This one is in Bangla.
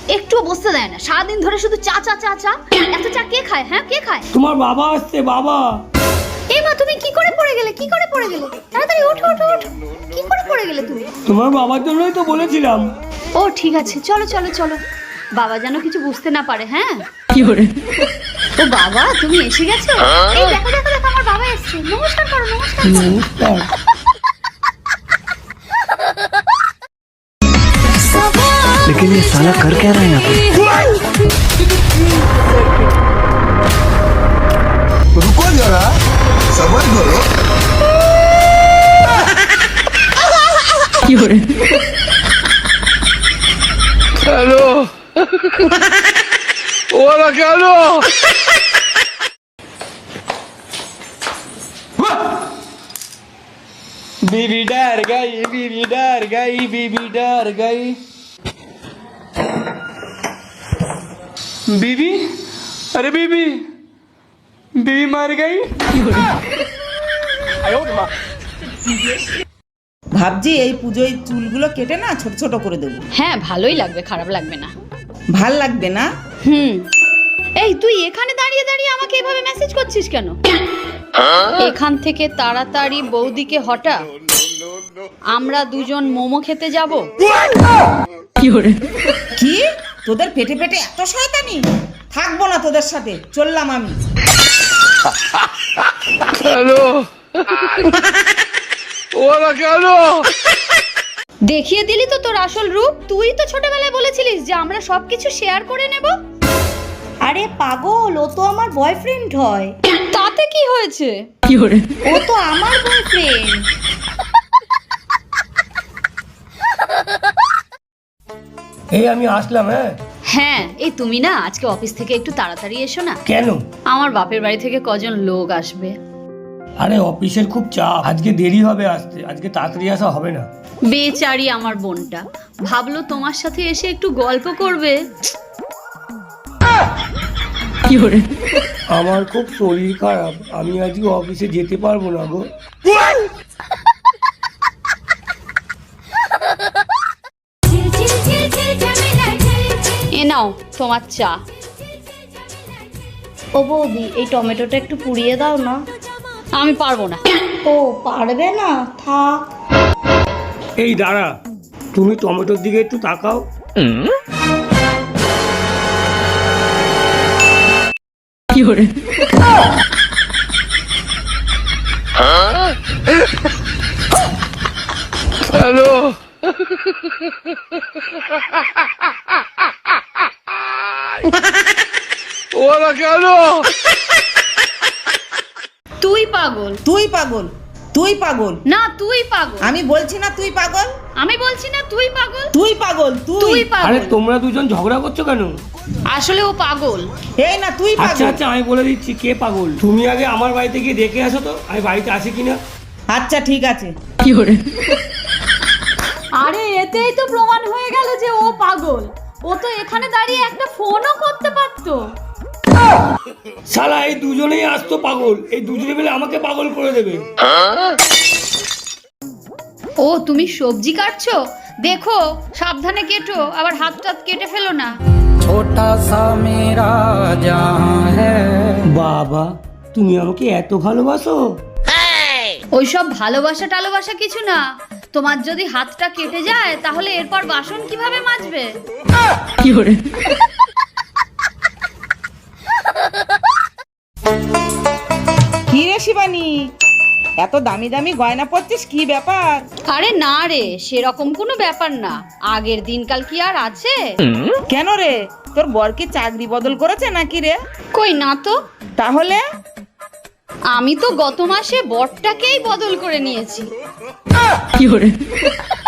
একটুও বসতে দেয় না, সারাদিন ধরে শুধু চা চা চা চা। এত চা কে খায়? হ্যাঁ কে খায়? তোমার বাবা আসছে, বাবা। এই মা, তুমি কি করে পড়ে গেলে? কি করে পড়ে গেলে? তাড়াতাড়ি ওঠো ওঠো ওঠো। কি করে পড়ে গেলে তুমি? তোমার বাবার জন্যই তো বলেছিলাম। ও ঠিক আছে, চলো চলো চলো। বাবা যেন কিছু বুঝতে না পারে। হ্যাঁ কি করে? ও বাবা, তুমি এসে গেছো? এই দেখো দেখো দেখো, আমার বাবা এসেছে। নমস্কার করো, নমস্কার করো। নমস্কার। लेकिन ये साला कर क्या रहा है यहाँ पे? रुको जरा, सबर करो। Hello. Hola, Carlos. बीबी डर गई, बीबी डर गई, बीबी डर गई। बीबी, अरे बीबी, बीबी मर गई। ভাবছি এই পুজোয় চুলগুলো কেটে না ছোট ছোট করে দেবো। হ্যাঁ ভালোই লাগবে, খারাপ লাগবে না। ভাল লাগবে না? এই তুই এখানে দাঁড়িয়ে দাঁড়িয়ে আমাকে এভাবে মেসেজ করছিস কেন? এখান থেকে তাড়াতাড়ি বৌদিকে হটা, আমরা দুজন মোমো খেতে যাব। কি তোদের পেটে পেটে এত শয়তানি? থাকবো না তোদের সাথে, চললাম আমি। Hello. Hola, Carlos. দেখিয়ে দিলি তো তোর আসল রূপ। তুই তো ছোটবেলায় বলেছিলিস যে আমরা সবকিছু শেয়ার করে নেব। আরে পাগল, ও তো আমার বয়ফ্রেন্ড হয়। তাতে কি হয়েছে? ও তো আমার বয়ফ্রেন্ড। এই আমি আসলাম। হ্যাঁ হ্যাঁ, এই তুমি না আজকে অফিস থেকে একটু তাড়াতাড়ি এসো না। কেন? আমার বাপের বাড়ি থেকে কজন লোক আসবে। আরে অফিসের খুব চাপ, আজকে দেরি হবে আসতে, আজকে তাড়াতাড়ি আসা হবে না। বেচারি আমার বোনটা ভাবলো তোমার সাথে এসে একটু গল্প করবে। আমার খুব শরীর খারাপ, আমি আজকে অফিসে যেতে পারবো না গো। এ নাও তোমার চা। ও বৌদি, এই টমেটোটা একটু পুড়িয়ে দাও না। আমি পারবো না। ও পারবে না? থাক। এই দাঁড়া, তুমি টমেটোর দিকে একটু তাকাও। Hello. Hola, Carlos. তুই পাগল। তুই পাগল, তুই পাগল। না তুই পাগল। আমি বলছি না তুই পাগল। আমি বলছি না তুই পাগল। তুই পাগল, তুই তুই। আরে পাগল। তোমরা দুজন ঝগড়া করছো কেন? আসলে ও পাগল। এই না তুই আচ্ছা পাগল। আচ্ছা, আমি বলে দিচ্ছি কে পাগল। তুমি আগে আমার বাড়িতে গিয়ে দেখে আসো তো আমি বাড়িতে আছি কিনা। আচ্ছা ঠিক আছে। আরে এতেই তো প্রমাণ হয়ে গেল যে ও পাগল। ও তো এখানে দাঁড়িয়ে একটা ফোনও করতে পারতো। শালা এই দুজনেই আসতো পাগল, এই দুজনে মিলে আমাকে পাগল করে দেবে। ও তুমি সবজি কাটছো? দেখো সাবধানে কেটো, আবার হাত টাত কেটে ফেলো না। छोटा सा मेरा जहां है। বাবা, তুমি আমাকে এত ভালোবাসো? ওইসব ভালোবাসা টালোবাসা কিছু না। তোমার যদি হাতটা কেটে যায় তাহলে এরপর বাসন কিভাবে মাজবে? কি রে শিবানী, এত দামি দামি গয়না পরছিস, কি ব্যাপার? আরে না রে, সেরকম কোনো ব্যাপার না। আগের দিনকাল কি আর আছে? কেন রে, তোর বর কি চাকরি বদল করেছে নাকি রে? কই না তো। তাহলে আমি তো গত মাসে বরটাকেই বদল করে নিয়েছি।